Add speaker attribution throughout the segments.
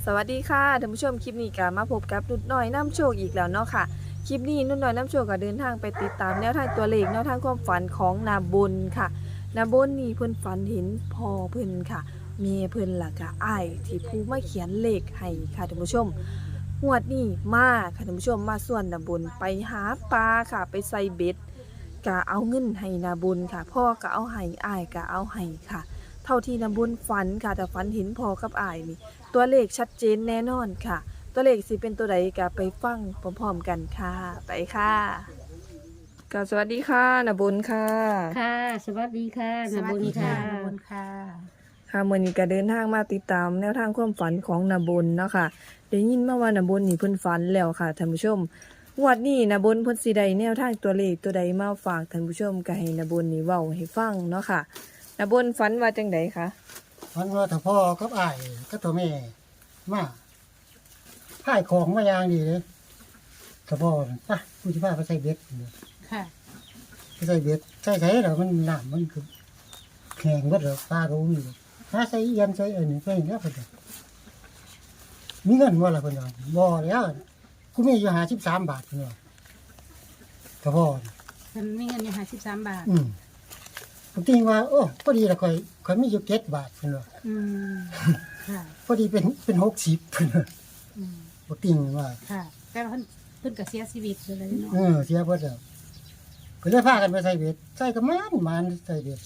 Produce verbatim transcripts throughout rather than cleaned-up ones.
Speaker 1: สวัสดีค่ะท่านผู้ชมคลิปนี้ก็มาพบกับนุดน้อยน้ำโชคอีกแล้วเนาะค่ะคลิปนี้นุดน้อยน้ำโชคก็เดินทางไปติดตามแนวทางตัวเลขแนวทางความฝันของนาบุญค่ะนาบุญนี่เพิ่นฝันเห็นพ่อเพิ่นค่ะเมียเพิ่นล่ะก็อ้ายที่ผู้มาเขียนเลขให้ค่ะท่านผู้ชมงวดนี้มาค่ะท่านผู้ชมมาส่วนนาบุญไปหาปลาค่ะไปใส่เบ็ดก็เอาเงินให้นาบุญค่ะพ่อก็เอาให้อ้ายก็เอาให้ค่ะ เท่าที่นาบุญฝันค่ะแต่ฝันเห็นพ่อกับอ้ายนี่ตัวเลขชัดเจนแน่นอนค่ะ ตัวเลขสิเป็นตัวใดก็ไปฟังพร้อมๆกันค่ะไปค่ะก็สวัสดีค่ะนาบุญค่ะ
Speaker 2: ค่ะสวัสดีค่ะ
Speaker 3: ส
Speaker 2: นา
Speaker 3: วั
Speaker 2: บุ
Speaker 3: ส
Speaker 2: ญ
Speaker 3: ดีค่ะ
Speaker 2: ค่ะ
Speaker 3: นาบุญค่ะ
Speaker 1: ค่ะมื้อนี้ก็เดินทางมาติดตามแนวทางความฝันของนาบุญเนาะค่ะได้ยินมาว่านาบุญนี่เพิ่นฝันแล้วค่ะท่านผู้ชมงวดนี้นาบุญเพิ่นสิได้แนวทางตัวเลขตัวใดมาฝากท่านผู้ชมก็ให้นาบุญนี่เว้าให้ฟังเนาะค่ะนาบุญฝันว่าจังไดคะ
Speaker 3: วันว่าถ้าพ่อกับอ้ายก็ตัวแม่มาพ่ายของมาอย่างดีเลยถ้าพ่อน่ะป่ะกูจะพาไปใส่เบ็ดเนี่ย
Speaker 2: ค่ะ
Speaker 3: ไปใส่เบ็ดใส่ใส่แล้วมันน้ำมันคือแข็งเบิดแล้วปลาก็มีเลยหาใส่เอียนใส่อันนี้ใส่เนี้ยเพิ่นน่ะมีเงินบ่ล่ะเพิ่นว่าบ่แล้วกูมีอยู่ห้าสิบสามบาทเพิ่นว่าถ้าพ่อน่ะ
Speaker 2: มันมีเงินอยู่ห้าสิบสามบาท
Speaker 3: อืมผมติงว่าโอ้พอดีละข่อยข่อยมีอยู่เจ็ดบาทเพิ่นว่า
Speaker 2: อืมค่ะ
Speaker 3: พอดีเป็นเป็นหกสิบเพิ่นว่า
Speaker 2: อืม
Speaker 3: บ่ติงว่า
Speaker 2: ค่ะแต่ว่าเพิ่นเพิ่นก็เสียชีวิตเลยเนาะ
Speaker 3: เออเสียเบิดแล้วก็เลยพากันไปใส่เบ็ดใส่ก็มันมันใส่เบ็ด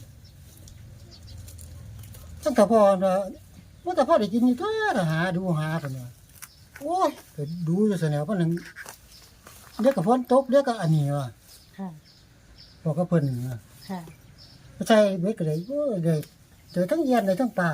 Speaker 3: ตั้งแต่พอเนาะว่าแต่พอได้กินนี่ตัวหาดูหาเพิ่นว่าโอ้ยก็ดูอยู่ซะแนวเพิ่นนึงเดี๋ยวก็ฝนตกเดี๋ยวก็อันนี้ว่า
Speaker 2: ค่ะ
Speaker 3: บอกกับเพิ่นว่า
Speaker 2: ค่ะ
Speaker 3: ไปใส่เบ็ดก็ได้โอ้ยได้เจอทั้งเอียนได้ทั้งปลา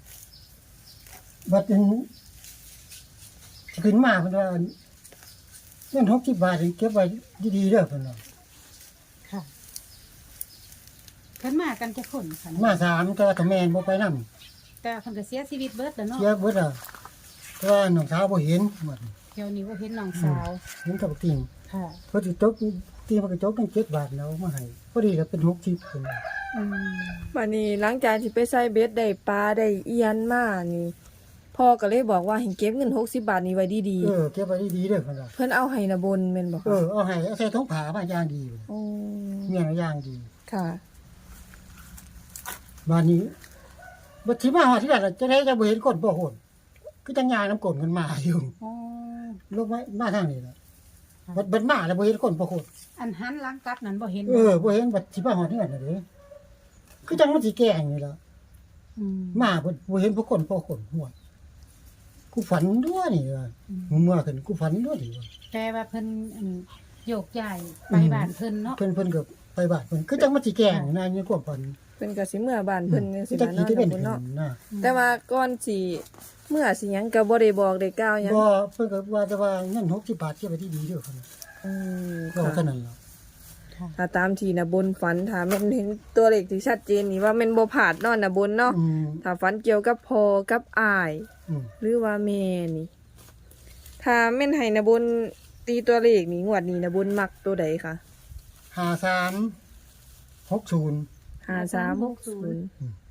Speaker 3: บัดนี้สิขึ้นมาเพิ่นว่าเงินหกสิบบาทนี่เก็บไว้ดีๆเด้อเพิ่นว่า
Speaker 2: ค่ะเพิ่นมากันจะคนค่ะ
Speaker 3: มาสามแต่ว่าถ้าแม่นบ่ไปนำ
Speaker 2: แต่เพิ่นก็เสียชีวิตเบิดแล้วเนาะ
Speaker 3: เสียเบิดแล้วแต่ว่าน้องสาวบ่เห็นหมด
Speaker 2: เดี๋ยวนี้ว่าเห็นน้องสาว
Speaker 3: เห็นกับติ่ง
Speaker 2: ค่ะ
Speaker 3: เพอสิตกติ่งมันก็จกตั้งเจ็ดบาทแล้วมาให้พอดีก็เป็นหกสิบพุ่นน่ะ
Speaker 2: อืม
Speaker 1: วันนี้หลังจากที่ไปใส่เบ็ดได้ปลาได้เอียนมานี่พ่อก็เลยบอกว่าให้เก็บเงินหกสิบบาทนี้ไว้ดี
Speaker 3: เออเก็บไว้ดีๆเด้อพุ่นน่ะ
Speaker 1: ๆเพิ่นเอาให้นาบนแม่นบ่
Speaker 3: เอ
Speaker 1: คะ
Speaker 3: อเอาให้เอาใส่ถุงผ้ามาอย่างดีพุ่น
Speaker 1: โอ้
Speaker 3: เมียนอย่างดี
Speaker 1: ค่ะ
Speaker 3: บ้านนี้บัดสิมาฮอดที่นั่นจะได้จะบ่เห็นคนบ่โหนคือจังยางน้ำกลนกันมาอยู่
Speaker 2: อ๋อ
Speaker 3: ลงมามาทางนี้ล่ะบัดบัดมาแล้วบ่เห็นคนบ่โหน
Speaker 2: อันหันหลังกลับนั้นบ่เห็น
Speaker 3: เออบ่เห็นบัดสิมาฮอดที่นั่นน่ะเด้คือจังมันสิแกล้งนี่ล่ะ
Speaker 2: อืม
Speaker 3: มาบ่บ่เห็นผู้คนผู้คนหัวกูฝันด้วยนี่ว่า
Speaker 2: อืม
Speaker 3: เมื่อขึ้นกูฝันด้วยนี่ว่า
Speaker 2: แต่ว่าเพิ่นอันโยกย้ายไปบ้านเพิ่นเนาะ
Speaker 3: เพิ่นเพิ่นก็ไปบ้านเพิ่นคือจังมันสิแกล้งนะในความฝัน
Speaker 1: เพิ่นก็สิเมื่อบ้านเพิ่นจัง
Speaker 3: คื
Speaker 1: ซี่
Speaker 3: อจัง
Speaker 1: ล่ะ
Speaker 3: ขี้
Speaker 1: เนาะ
Speaker 3: ที่เป็น
Speaker 1: นาบน
Speaker 3: เพิ่น
Speaker 1: เนาะ
Speaker 3: นะ
Speaker 1: แต่ว่าก่อนสิเมื่อสิหยังก็บ่ได้บอกได้กล่าวหยัง
Speaker 3: บ่เพิ่นก็ว่าแต่ว่าเงินหกสิบบาทเก็บไว้ที่ดีเด้อเพิ่น
Speaker 1: อืม
Speaker 3: ก็
Speaker 1: ค่ะ
Speaker 3: เท่านั้นล่ะ
Speaker 2: ค่ะ
Speaker 1: ถ้าตามที่นาบนฝันถ้าแม่นเห็นตัวเลขที่ชัดเจนนี่ว่าแม่นบ่พลาดเนาะนาบนเนาะ
Speaker 3: อืม
Speaker 1: ถ้าฝันเกี่ยวกับพ่อกับอ้าย
Speaker 3: อืม
Speaker 1: หรือว่าแม่นี่ ถ้าแม่นให้นาบนตีตัวเลขนี่งวดนี้นาบนมักตัวใดคะ
Speaker 3: ห้าสามหกศูนย์
Speaker 1: ห้าสามหกศูนย์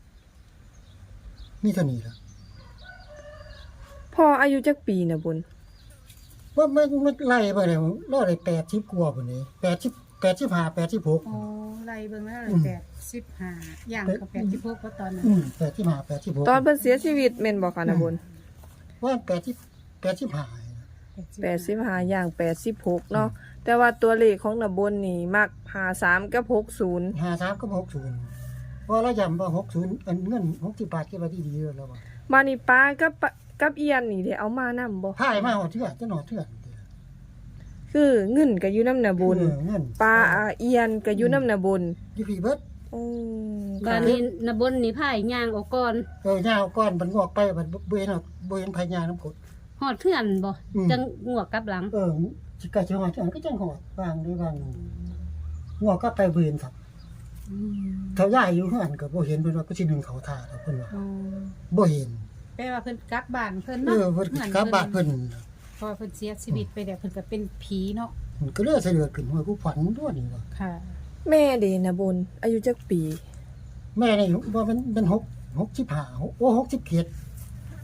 Speaker 3: มีเท่านี้ล่ะ
Speaker 1: พ่ออายุจักปีนาบน
Speaker 3: ว่ามันมันไล่ไปแล้วรอได้80กว่าพุ่นนี่80 85 86
Speaker 2: โอ้ไล่เบิ่งแล้ว
Speaker 3: อืม
Speaker 2: แปดสิบห้าย่างกับแปดสิบหกก็ตอนนั้น
Speaker 3: อืม85 86
Speaker 1: ตอนเพิ่นเสียชีวิตแม่นบ่คะนาบน
Speaker 3: ว่า80 85
Speaker 1: แปดสิบห้าอย่างแปดสิบหกเนาะแต่ว่าตัวเลขของนาบนนี่มักห้าสามกับหกศูนย์
Speaker 3: ห้าสามกับหกศูนย์เพราะเราย้ำว่าหกศูนย์อันเงินหกสิบบาทเก็บไว้ที่ดีเยอะแล้วว่า
Speaker 1: มานี่ป้ากับปะกับเอียนนี่ได้เอามานํบ่
Speaker 3: พายมาหอดเถื่อนจะหนอดเถื่อน
Speaker 1: คือเงินก็อยู่นำนาบน
Speaker 3: เออเงิน
Speaker 1: ปลาอาเอียนก็อยู่นำนาบน
Speaker 3: อยู่พี่เบิด
Speaker 1: โอ้
Speaker 2: บ้านนี้นบนนี่พายย่างออกก่อน
Speaker 3: เออยาวก้อนมันงอกไปมันบ่เห็นหรอกบ่เห็นพายาน้ำกรด
Speaker 2: หอดเทื่อนบ่
Speaker 3: อืม
Speaker 2: จังงวกกลับหลัง
Speaker 3: เออสิกะสิหอดเถื่อนก็จังหอดวางด้วยวางงอกก็ไปบ่เห็นครับเท่าย่ายอยู่เฮือนก็บ่เห็นเพิ่นว่าก็สิหนึ่งเขาท่าแล้วเพิ่นว่า
Speaker 2: อ๋อ
Speaker 3: บ่เห็น
Speaker 2: แปลว่าเพิ่นกลับบ้านเพิ่น
Speaker 3: เอ
Speaker 2: เนาะ
Speaker 3: อเพิ่นกลับบ้านเพิ่น
Speaker 2: พอเพิ่นเสียชีวิตไปแล้วเพิ่นก็เป็นผีเนาะ
Speaker 3: มันก็เลยเสลือขึ้นว่ากูฝันด้วยนี่ว่า
Speaker 2: ค่ะ
Speaker 1: แม่เดนาบน อายุจักปี
Speaker 3: แม่นี่ว่ามันเป็นหกหกสิบห้าโอ้หกสิบเจ็ด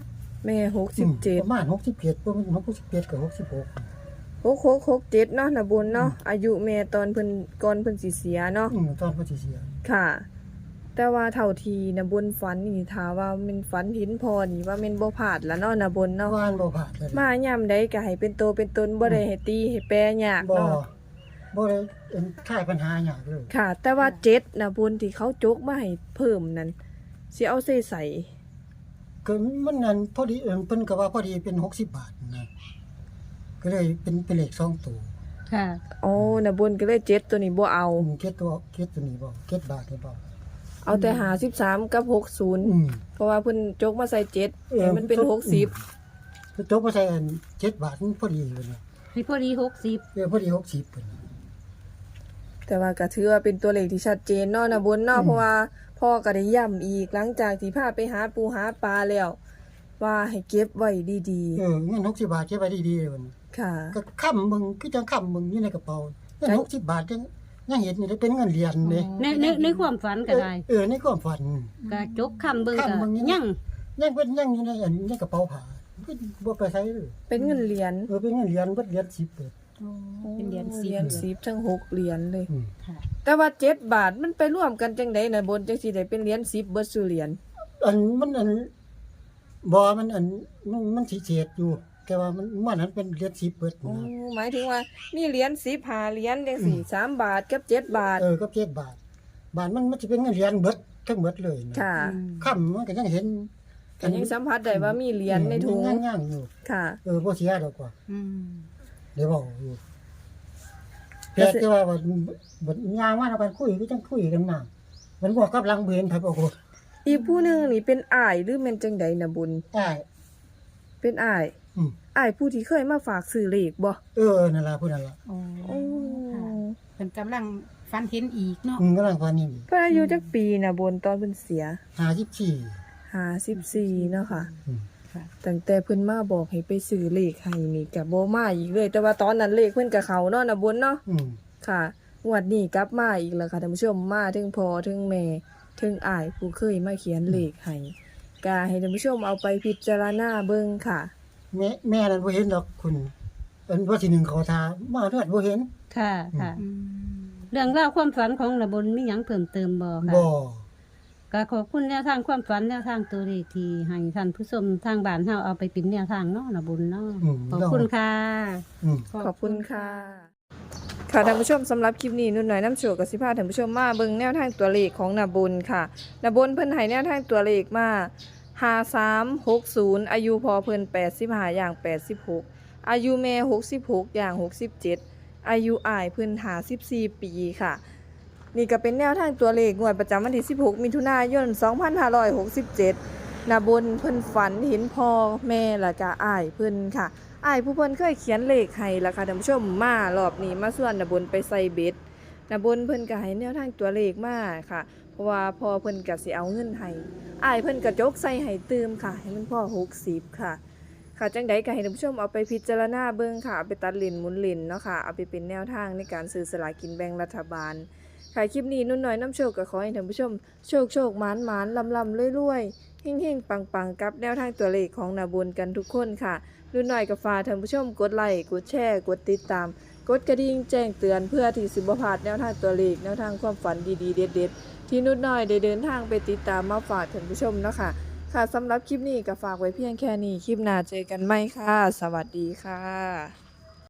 Speaker 1: แม่หกสิบเจ็ด
Speaker 3: ประมาณหกสิบเจ็ดบ่แม่นหกสิบเจ็ดกับหกสิบหก
Speaker 1: หกหกหกเจ็ดเนาะนะบุญเนาะอายุแม่ตอนเพิ่นก่อนเพิ่นสิเสียเนาะ
Speaker 3: อืมตอนเพิ่นสิเสีย
Speaker 1: ค่ะ แต่ว่าเท่าทีนะบุญฝันนี่ถ้าว่าแมันฝันเห็นพอนี่ว่าแม่นบ่พลาดละเนาะนะบุญเนาะ
Speaker 3: วานบ่ผ่านเลย
Speaker 1: มายามใดก็ให้เป็นโตเป็นตนบ่ได้ให้ตีให้แปรยาก
Speaker 3: บ่
Speaker 1: เนาะ
Speaker 3: บ่ได้เอ็นคลายปัญหาหยังเลย
Speaker 1: ค่ะ แต่ว่าเจ็ดนะบุญที่เขาจกมาให้เพิ่มนั่นสิเอาใส่ใส่
Speaker 3: ก็มันนั่นพอดีเอิ้นเพิ่นก็ว่าพอดีเป็นหกสิบบาทนะก็เลยเป็นเป็นเลขสองตัว
Speaker 2: ค่ะ
Speaker 1: โอ้นะบุญก็เลยเจ็ดตัวนี้บ่เอา
Speaker 3: อืมเก็ดตัวเก็ดตัวนี้บ่เก็ดบาทนี่บ่
Speaker 1: เอาแต่หาสิบสามกับหกสิบ
Speaker 3: อืม
Speaker 1: เพราะว่าเพิ่นจกมาใส่เจ็ด
Speaker 3: เออ
Speaker 1: ให้มันเป็นหกสิบ
Speaker 3: เพิ่นจกมาใส่อันเจ็ดบาทมันพอดีเลยนะ
Speaker 2: ให้พอดีหกสิบ
Speaker 3: เออพอดีหกสิบเพิ่น
Speaker 1: แต่ว่าก็ถือว่าเป็นตัวเลขที่ชัดเจนเนาะนะบุญเนาะ
Speaker 3: อืม
Speaker 1: เพราะว่าพ่อก็ได้ย้ำอีกหลังจากที่พาไปหาปูหาปลาแล้ว ว่าให้เก็บไว้ดี
Speaker 3: เออเงินหกสิบบาทเก็บไว้ดีๆเลยมัน
Speaker 1: ๆ ค่ะ
Speaker 3: ก็ค้ำมึงคือจังค้ำมึงอยู่ในกระเป๋าเงินหกสิบบาทยังยังเห็นนี่เป็นเงินเหรียญเด้
Speaker 2: ในในในความฝันก็ได้
Speaker 3: เออในความฝัน
Speaker 2: ก็จกคำเบิ่งก็
Speaker 3: คำเบิ่งยัง
Speaker 2: ยัง
Speaker 3: ยังเป็นยังอยู่ในอันในกระเป๋าผ้าก็บ่ไปใช้เลย
Speaker 1: เป็นเงินเหรียญ
Speaker 3: เออเป็นเงินเหรียญเบิดเหรียญสิบเลย
Speaker 2: เป็นเหรียญ
Speaker 1: เห
Speaker 2: สิ
Speaker 1: รี
Speaker 2: บ
Speaker 1: ยญสิบทั้งหกเหรียญเลย
Speaker 3: อืม
Speaker 2: ค่ะ
Speaker 1: แต่ว่าเจ็ดบาทมันไปร่วมกันจังได๋นะบนจังสิได้เป็นเหรียญสิบเบิดสู่เหรียญ
Speaker 3: อันมันอันบ่มันอันมันมันสิเศษอยู่แต่ว่ามันมันนั้นเป็นเหรียญสิบเบิด
Speaker 1: โอ้
Speaker 3: นะ
Speaker 1: หมายถึงว่ามีเหรียญสิบห้าเหรียญจังซี่สามบาทกับเจ็ดบาท
Speaker 3: เออก็เจ็ดบาท บาทมันมันสิเป็นเงินเหรียญเบิดทั้งเบิดเลยนะ
Speaker 1: ค่ะ
Speaker 3: ค่ำมันก็ยังเห็น
Speaker 1: ก็ยังสัมผัสได้ว่ามีเหรียญในถุง
Speaker 3: ยังย่างๆอยู่
Speaker 1: ค่ะ
Speaker 3: เออบ่เสียดอกว่า
Speaker 2: อืม
Speaker 3: เดี๋ยวบอกอยู่แต่ที่ว่าบัดบัดยางมาแล้วกันคุยก็จังคุยกันมามันบอกกับลังเบนไผบอกว่า
Speaker 1: อีกผู้หนึงนี่เป็นอ้ายหรือแม่นจังใดนะบุญ
Speaker 3: อ้าย
Speaker 1: เป็นอ้าย
Speaker 3: อืม
Speaker 1: อ้ายผู้ที่เคยมาฝากซื้อเลขบ่
Speaker 3: เออนั่นล่ะผู้นั้นล่ะ
Speaker 2: โอ้
Speaker 1: โอ้
Speaker 2: ค่ะเพิ่นกำลังฝันเห็นอีกเนาะ
Speaker 3: อืมกำลังฟันนี่
Speaker 1: เพิ่นอายุจักปีนะบุญตอนเพิ่นเสีย
Speaker 3: ห้าสิบสี่
Speaker 1: ห้าสิบสี่เนาะค่ะ
Speaker 3: อืม
Speaker 2: ค่ะ
Speaker 1: ตั้งแต่เพิ่นมาบอกให้ไปซื้อเลขให้นี่ก็บ่มาอีกเลย แต่ว่าตอนนั้นเลขเพิ่นก็เข้าเนาะนะบุญเนาะ
Speaker 3: อืม
Speaker 1: ค่ะงวดนี้กลับมาอีกแล้วค่ะท่านผู้ชมมาถึงพ่อถึงแม่ถึงอ้ายผู้เคยมาเขียนเลขให้ก็ให้ท่านผู้ชมเอาไปพิจารณาเบิ่งค่ะ
Speaker 3: แม่แม่นั้นบ่เห็นดอกคุณอันว่าที่หนึ่งเขาทามาเลือดบ่เห็น
Speaker 2: ค่ะค่ะ
Speaker 3: อื
Speaker 2: อืมเรื่องราวความฝันของระบนมีหยังเพิ่มเติมบ่ค่ะ
Speaker 3: บ่
Speaker 2: ก็ขอบคุณแนวทางความฝันแนวทางตัวเลขที่ให้ท่านผู้ชมทางบ้านเฮาเอาไปเป็นแนวทางเนาะระบุญเนาะ
Speaker 3: อืม
Speaker 2: ขอบคุณค่ะ
Speaker 3: อืม
Speaker 1: ขอบคุณค่ะ ค่ะท่านผู้ชมสำหรับคลิปนี้นุ่นหน่อยน้ำโชวกับสิพาท่านผู้ชมมาเบิ่งแนวทางตัวเลขของนาบุญค่ะนาบุญเพิ่นให้แนวทางตัวเลขมาห้าสามหกศูนย์อายุพอเพิ่นแปดสิบห้าอย่างแปดสิบหกอายุแม่หกสิบหกอย่างหกสิบเจ็ดอายุอ้ายเพิ่นห้าสิบสี่ปีค่ะ นี่ก็เป็นแนวทางตัวเลขงวดประจำวันที่สิบหกมิถุนายนสองพันห้าร้อยหกสิบเจ็ดนาบุญเพิ่นฝันเห็นพ่อแม่และก็อ้ายเพิ่นค่ะ อ้ายผู้เพิ่นเคยเขียนเลขให้ล่ะค่ะท่านผู้ชมมารอบนี้มาส่วนน่ะบนไปใส่เบ็ดน่ะบนเพิ่นก็ให้แนวทางตัวเลขมาค่ะ เพราะว่าพอเพิ่นก็สิเอาเงินให้อ้ายเพิ่นก็จกใส่ให้ตืมค่ะ ให้มันพอหกสิบค่ะ ค่ะจังใดก็ให้ท่านผู้ชมเอาไปพิจารณาเบิ่งค่ะเอาไปตัดเลนหมุนเลนเนาะค่ะเอาไปเป็นแนวทางในการซื้อสลากกินแบ่งรัฐบาลค่ะคลิปนี้นุ่นน้อยน้ำโชคก็ขอให้ท่านผู้ชมโชคโชคหมานหมานลำลำรวยๆเฮงๆปังๆกับแนวทางตัวเลขของนาบุญกันทุกคนค่ะ รุ่นหน่อยกับฝากท่านผู้ชมกดไลค์กดแชร์กดติดตาม กดกระดิ่งแจ้งเตือนเพื่อที่สิบ่พลาดแนวทางตัวเลขแนวทางความฝันดีๆเด็ดๆที่นุ่นน้อยได้เดินทางไปติดตามมาฝากท่านผู้ชมเนาะค่ะค่ะสำหรับคลิปนี้ก็ฝากไว้เพียงแค่นี้คลิปหน้าเจอกันใหม่ค่ะ สวัสดีค่ะ